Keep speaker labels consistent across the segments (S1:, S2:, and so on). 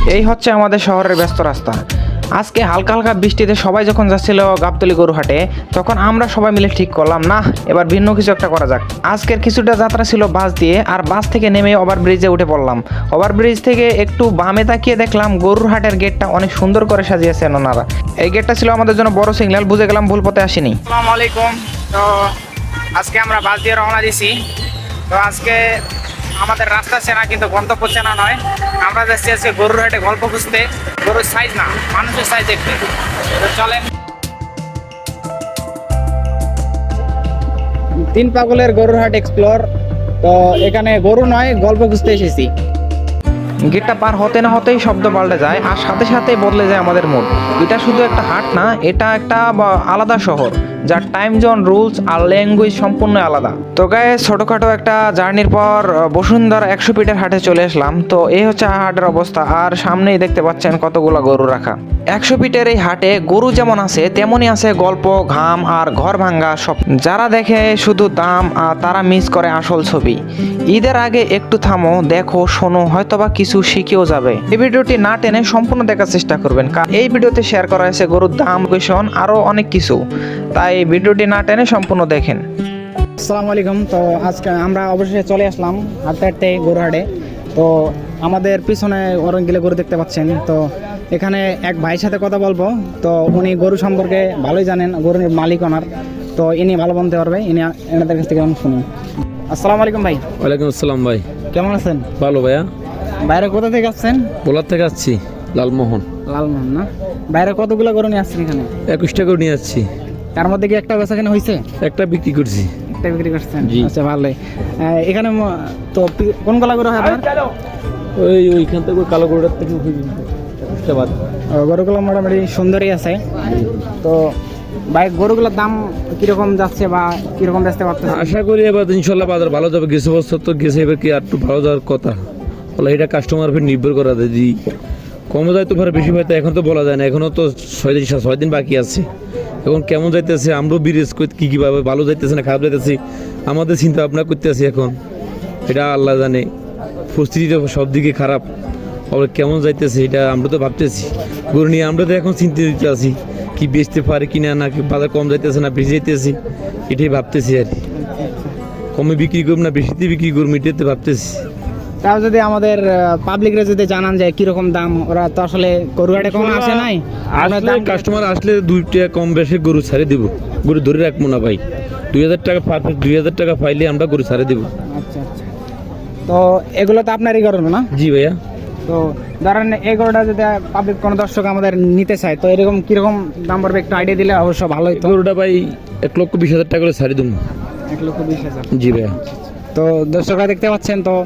S1: এই হচ্ছে আমাদের শহরের ব্যস্ত রাস্তা। আজকে হালকা হালকা বৃষ্টিতে সবাই যখন যাচ্ছিল গাবতলী গরুহাটে, তখন আমরা সবাই মিলে ঠিক করলাম, না এবার ভিন্ন কিছু একটা করা যাক। আজকের কিছুটা যাত্রা ছিল বাস দিয়ে, আর বাস থেকে নেমে ওভারব্রিজে উঠে পড়লাম। ওভারব্রিজ থেকে একটু বামে তাকিয়ে দেখলাম গরুহাটের গেটটা অনেক সুন্দর করে সাজিয়েছেন ওনারা। এই গেটটা ছিল আমাদের জন্য বড় সিগন্যাল, বুঝে গেলাম ভুল পথে আসিনি। আসসালামু আলাইকুম। তো আজকে আমরা বাস দিয়ে রওনা দিছি। তো আজকে আমাদের রাস্তা চেনা কিন্তু গন্তব্য চেনা নয়। আমরা যাচ্ছি আজকে গরুহাটে গল্প খুঁজতে, গরুর সাইজ না মানুষের সাইজ দেখতে। তো চলেন। তিন পাগলের গরুরহাট এক্সপ্লোর। তো এখানে গরু নয়, গল্প খুঁজতে এসেছি। গেটটা পার হতে না হতেই শব্দ পাল্টে যায়, আর সাথে সাথে বদলে যায় আমাদের মুড। এটা শুধু একটা হাট না, এটা একটা আলাদা শহর, যার টাইম জোন, রুলস আর ল্যাঙ্গুয়েজ সম্পূর্ণ আলাদা। তো গায়ে ছোটখাটো একটা জার্নির পর বসুন্ধরা 100 ফিটের হাটে চলে আসলাম। তো এই হচ্ছে হাটের অবস্থা, আর সামনেই দেখতে পাচ্ছেন কতগুলো গরু রাখা। 100 ফিটের এই হাটে গরু যেমন আছে তেমনই আছে গল্প, ঘাম আর ঘর ভাঙ্গা সব। যারা দেখে শুধু দাম আর তারা মিস করে আসল ছবি। ঈদের আগে একটু থামো, দেখো, শোনো, হয়তোবা কিছু শিখেও যাবে। এই ভিডিওটি না টেনে সম্পূর্ণ দেখার চেষ্টা করবেন, কারণ এই ভিডিওতে শেয়ার করা হয়েছে গরুর দাম, লোকেশন আরো অনেক কিছু। তাই ভিডিওটি না টেনে সম্পূর্ণ দেখেন। আসসালামু আলাইকুম। তো আজকে আমরা অবশেষে চলে আসলাম হাঁটতে হাঁটতে গরুহাটে। তো আমাদের পিছনে অনেকগুলো গরু দেখতে পাচ্ছেন। তো এখানে এক ভাইয়ের সাথে কথা বলবো। তো উনি গরু সম্পর্কে ভালোই জানেন, গরুর মালিক ওনার। তো ইনি ভালো বলতে পারবে, এনাদের কাছ থেকে আমি শুনি। আসসালামু আলাইকুম ভাই।
S2: ওয়ালাইকুম আসসালাম ভাই।
S1: কেমন আছেন?
S2: ভালো ভাইয়া।
S1: বাইরে কোথা থেকে আসছেন?
S2: বোলার থেকে আসছি, লালমোহন।
S1: লালমোহন না? বাইরে কতগুলো গরু নিয়ে আসছেন এখানে?
S2: 21টা করে নিয়ে আসছি।
S1: তার মধ্যে কি একটা বেচাকেনা হয়েছে?
S2: একটা বিক্রি করছি।
S1: একটা বিক্রি করছেন?
S2: জি।
S1: আচ্ছা, ভালোই। এখানে তো কোন গলা গরু হয় আপনার?
S2: ওইখান থেকে কালো গরুটার থেকে 21টা বাদ।
S1: গরুগুলো মোটামুটি সুন্দরই আছে। তো ভাই গরুগুলোর দাম কিরকম যাচ্ছে বা কিরকম বেচতে পারতেছে?
S2: আশা করি এবার ইনশাল্লাহ বাজার ভালো যাবে। গেছে বছর তো গেছে, এবার কি আর একটু ভালো যাওয়ার কথা। বলে এটা কাস্টমার উপর নির্ভর করা যায়, যদি কমে যায় তো ভালো, বেশি হয় তো এখন তো বলা যায় না। এখনও তো 6 দিন বাকি আছে। এখন কেমন যাইতেছে আমরাও বিরেজ করি, কীভাবে ভালো যাইতেছে না খারাপ যাইতেছে আমাদের চিন্তা ভাবনা করতেছি এখন। এটা আল্লাহ জানে, পরিস্থিতিটা সব দিকে খারাপ। আবার কেমন যাইতেছে এটা আমরা তো ভাবতেছি। গরু নিয়ে আমরা তো এখন চিন্তিত আছি, কি বেচতে পারে কিনা, না কি বাজার কম যাইতেছে না বেশি যাইতেছি, এটাই ভাবতেছি আর কি। কমে বিক্রি করব না বেশিতে বিক্রি করবো, এটাতে ভাবতেছি।
S1: তাও যদি আমাদের পাবলিকরা যদি জানান যায় কিরকম দাম, ওরা তো আসলে গরুহাটে কখনো আসে নাই।
S2: আসলে কাস্টমার আসলে 2 টাকা কম বেশি গরু ছাড়ে দিব, গরু ধরে রাখবো না ভাই। 2000 টাকা পারফেক্ট, 2000 টাকা পাইলে আমরা গরু ছাড়ে দিব।
S1: আচ্ছা আচ্ছা। তো এগুলো তো আপনারই গরু না?
S2: জি ভাইয়া।
S1: তো ধরেন এই গরুটা যদি পাবলিক কোনো দর্শক আমাদের নিতে চায়, তো এরকম কিরকম দাম পড়বে একটু আইডিয়া দিলে অবশ্য ভালোই। তো
S2: গরুটা ভাই 1,20,000 টাকা করে ছাড়ে দেবো।
S1: 1,20,000?
S2: জি ভাইয়া।
S1: তো দর্শকরা দেখতে পাচ্ছেন, তো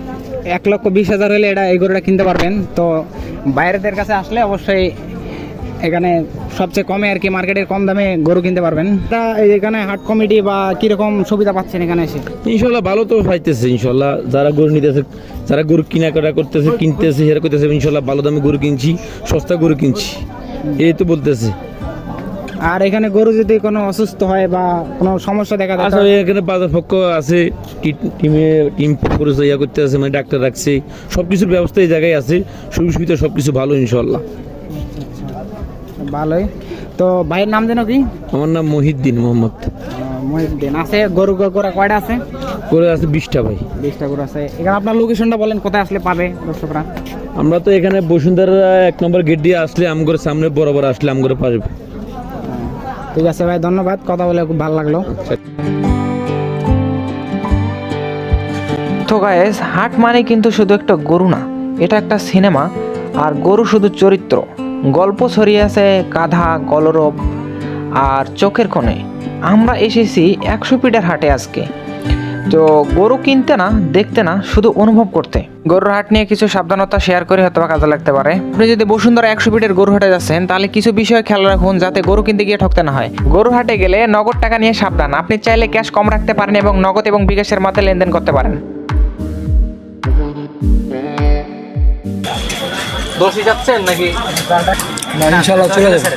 S1: 1,20,000 হলে এই গরুটা কিনতে পারবেন। তো বাইরেদের কাছে আসলে অবশ্যই এখানে সবচেয়ে কমে আর কি, মার্কেটের কম দামে গরু কিনতে পারবেন। তা এখানে হাট কমিটি বা কিরকম সুবিধা পাচ্ছেন এখানে এসে?
S2: ইনশাল্লাহ ভালো তো পাইতেছে ইনশাল্লাহ। যারা গরু নিতেছে, যারা গরু কেনাকাটা করতেছে, কিনতেছে, সেরা করতেছে, ইনশাল্লাহ ভালো দামে গরু কিনছি, সস্তা গরু কিনছি, এই তো বলতেছে।
S1: আর এখানে গরু যদি কোনো অসুস্থ হয় বা কোনো সমস্যা দেখা যায়,
S2: আসলে এখানে বাজার পক্ষ আছে, টিম করে ইয়া করতে আছে, মানে ডাক্তার রাখছে, সব কিছুর ব্যবস্থা এই জায়গায় আছে, সুযোগ সুবিধা সব কিছু ভালো ইনশাল্লাহ।
S1: ভালোই। তো ভাইয়ের নাম যেন কি?
S2: আমার নাম মহিউদ্দিন মোহাম্মদ।
S1: মহিউদ্দিন। আছে গরু কয়টা আছে?
S2: গরু আছে 20টা ভাই।
S1: 20টা গরু আছে। এখানে আপনার লোকেশনটা বলেন, কোথায় আসলে পাবে দর্শকরা?
S2: আমরা তো এখানে বসুন্ধরা 1 নম্বর গেট দিয়ে আসলে আমগর সামনে বরাবর আসলে আমগর পারবে।
S1: ঠিক আছে ভাই, ধন্যবাদ, কথা বলে খুব ভালো লাগলো। তো গাইস, হাট মানে কিন্তু শুধু একটা গরু না, এটা একটা সিনেমা। আর গরু শুধু চরিত্র, গল্প ছড়িয়ে আছে গাধা, কলরব আর চোখের কোণে। আমরা এসেছি 100 ফিটের হাটে আজকে। তো গরু কিনতে না, দেখতে না, শুধু অনুভব করতে। গরুর হাট নিয়ে কিছু সাবধানতা শেয়ার করে হয়তো কাজে লাগতে পারে। আপনি যদি বসুন্ধরা 100 ফিটের গরু হাটে যাচ্ছেন, তাহলে কিছু বিষয় খেয়াল রাখুন, যাতে গরু কিনতে গিয়ে ঠকতে না হয়। গরু হাটে গেলে নগদ টাকা নিয়ে সাবধান। আপনি চাইলে ক্যাশ কম রাখতে পারেন এবং নগদ এবং বিকাশের মাধ্যমে লেনদেন করতে পারেন।
S3: দোষী যাচ্ছেন নাকি?
S2: ইনশাআল্লাহ চলে যাবে।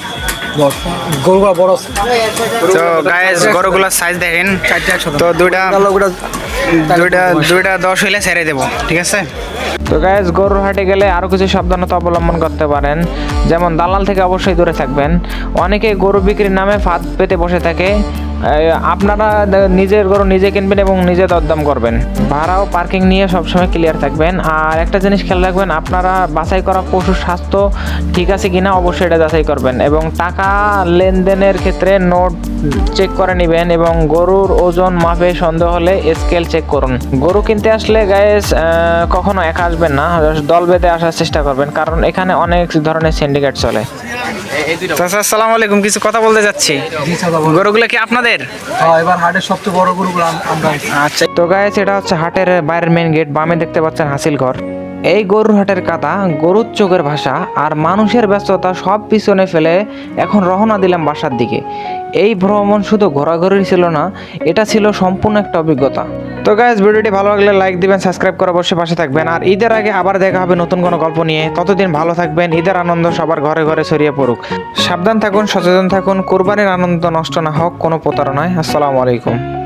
S1: গরুগুলো বড়।
S3: তো গাইস, গরুগুলোর সাইজ দেখেন। তো দুইটা
S4: দুইটা 10 হইলে ছেড়ে দেবো, ঠিক আছে?
S1: তো গাইজ গরুর হাটে গেলে আরও কিছু সাবধানতা অবলম্বন করতে পারেন, যেমন দালাল থেকে অবশ্যই দূরে থাকবেন। অনেকে গরু বিক্রির নামে ফাঁদ পেতে বসে থাকে। আপনারা নিজের গরু নিজে কিনবেন এবং নিজে দরদাম করবেন। ভাড়া ও পার্কিং নিয়ে সবসময় ক্লিয়ার থাকবেন। আর একটা জিনিস খেয়াল রাখবেন, আপনারা বাছাই করা পশুর স্বাস্থ্য ঠিক আছে কিনা অবশ্যই এটা যাচাই করবেন, এবং টাকা লেনদেনের ক্ষেত্রে নোট চেক করে নেবেন, এবং গরুর ওজন মাপে সন্দেহ হলে স্কেল চেক করুন। গরু কিনতে আসলে গাইস কখনো একা আসবেন না, দল বেঁধে আসার চেষ্টা করবেন, কারণ এখানে অনেক ধরনের সিন্ডিকেট চলে।
S4: চাচা আসসালামু আলাইকুম, কিছু কথা বলতে যাচ্ছি। গরুগুলো কি আপনাদের?
S3: এবার হাটের সবচেয়ে বড় গরুগুলো আমরা
S4: আচ্ছা,
S1: তো গাইস এটা হচ্ছে হাটের বাইরের মেন গেট, বামে দেখতে পাচ্ছেন হাসিল ঘর। এই গরুর হাটের কাদা, গরুর চোখের ভাষা আর মানুষের ব্যস্ততা সব পিছনে ফেলে এখন রওনা দিলাম বাসার দিকে। এই ভ্রমণ শুধু ঘোরাঘুরি ছিল না, এটা ছিল সম্পূর্ণ একটা অভিজ্ঞতা। তো গাইস ভিডিওটি ভালো লাগলে লাইক দিবেন, সাবস্ক্রাইব করে অবশ্যই পাশে থাকবেন। আর ঈদের আগে আবার দেখা হবে নতুন কোনো গল্প নিয়ে। ততদিন ভালো থাকবেন, ঈদের আনন্দ সবার ঘরে ঘরে ছড়িয়ে পড়ুক। সাবধান থাকুন, সচেতন থাকুন, কোরবানির আনন্দ নষ্ট না হোক কোনো প্রতারণায়। আসসালামু আলাইকুম।